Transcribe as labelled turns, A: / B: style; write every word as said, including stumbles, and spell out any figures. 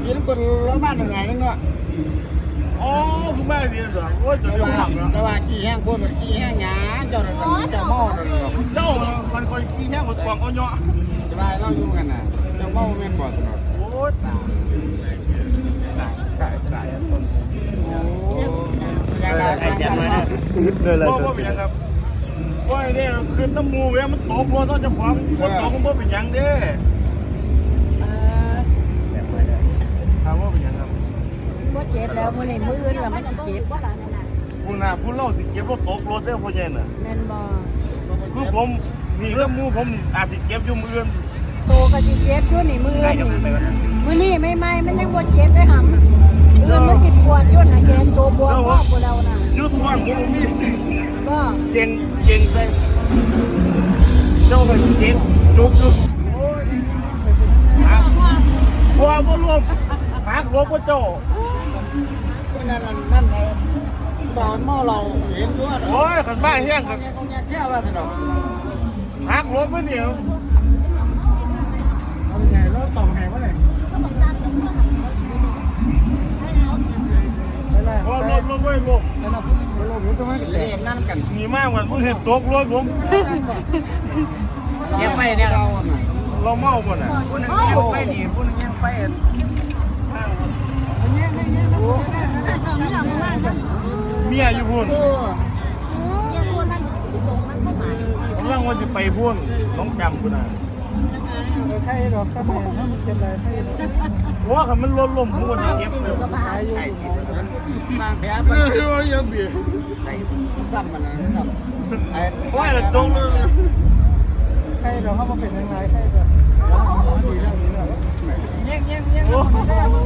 A: กินคนละบ้านหนึ่งไงนึงเนาะ
B: อ๋อคุณแม่ดีเหรอโอ้ยจะยุ่งหนักเหรอ
A: แต่ว่าขี้แห้งพูดมันขี้แห้งหยาเจ้าเจ้าเมาเนาะ
B: เจ้ามันคอยขี้แห้งหมดกวางเอาเนาะ
A: แต่ว่าเราอยู่กันน่ะเจ้าเมาแม่นบ่ตลอด
B: โอ้ยตายตายตายตายต้น
A: โอ้ยังไงไอ้เจ้าเนาะ
B: เลยเลยว่าเป็นยังครับว่าเนี่ยคือน้ำมูเว้ยมันตกรถต้องจะฟังมันตกมันเป็นยังเด้ถามว่าเป็นยังครับ
C: ว่าเจ็บแล้วมื้อนี้มื้ออื่นแล้วมันสิเจ็บว่าล่ะนั่นน่ะ
B: คุณน่ะคุณเล่าสิเก็บรถตกรถได้พ่อใหญ่น่ะ
C: แม่นบ่
B: คือผมมีเรื่องมูผมอาจจะเก็บอยู่มืออื่น
C: โตก็สิเจ็บอยู่นี่มื้ออื่นมื้อนี้ไม่ไหม้มันยังบ่เจ็บได้ห่ำมื้ออื่นมันสิปวดอยู่น่ะเย็นตัวบวมพอกบ่แล้วน่ะ
B: ยุดว่างผมมี
C: ก็
B: เก่งเก่งไปเจ้าเป็นเก่งจุกจุกบัวบัวรวมหักรวมพระเจ้า
A: นั่นนั่นตอนเมาเราเห็นด้วย
B: โอ้ยขันบ้าแห้งกัน
A: คงแยกแค่ว่าถนน
B: หักรวมไม่เหนียว
A: เอาไงแล้วต่อแหงว่าไง
B: รวมรวมรวมไว้รวม
A: เรียนนั่นกัน
B: มีมากกว่าผู้เห็นตกรถผม
A: ยังไปเนี่ยเรา
B: เราเมาหมดอ่ะ
A: ผู้นึงยังไปหนีผู้นึงยังไป
B: เมียอยู่พุ่น
C: เออเมียพูดมันไปส่งมันเข้ามา
B: ผมร่างว่าจะไปพุ่นน้องจำกูนะ
A: ใช่หรอกถ้าแม่ถ้ามันเป็นอะไรให้
B: เพราะว่ามันล้มล้มพุ่นเก็บเลย
A: นางแพ้
B: เออว่ายังเบียด
A: ซ้ำมันนะซ้ำไอ้
B: ว่าแต่ตรงเลย
A: ใช่เราเข้ามาเป็นยังไงใช่ก็ดีแล้วดีแล้วแย่งแย่งแย่ง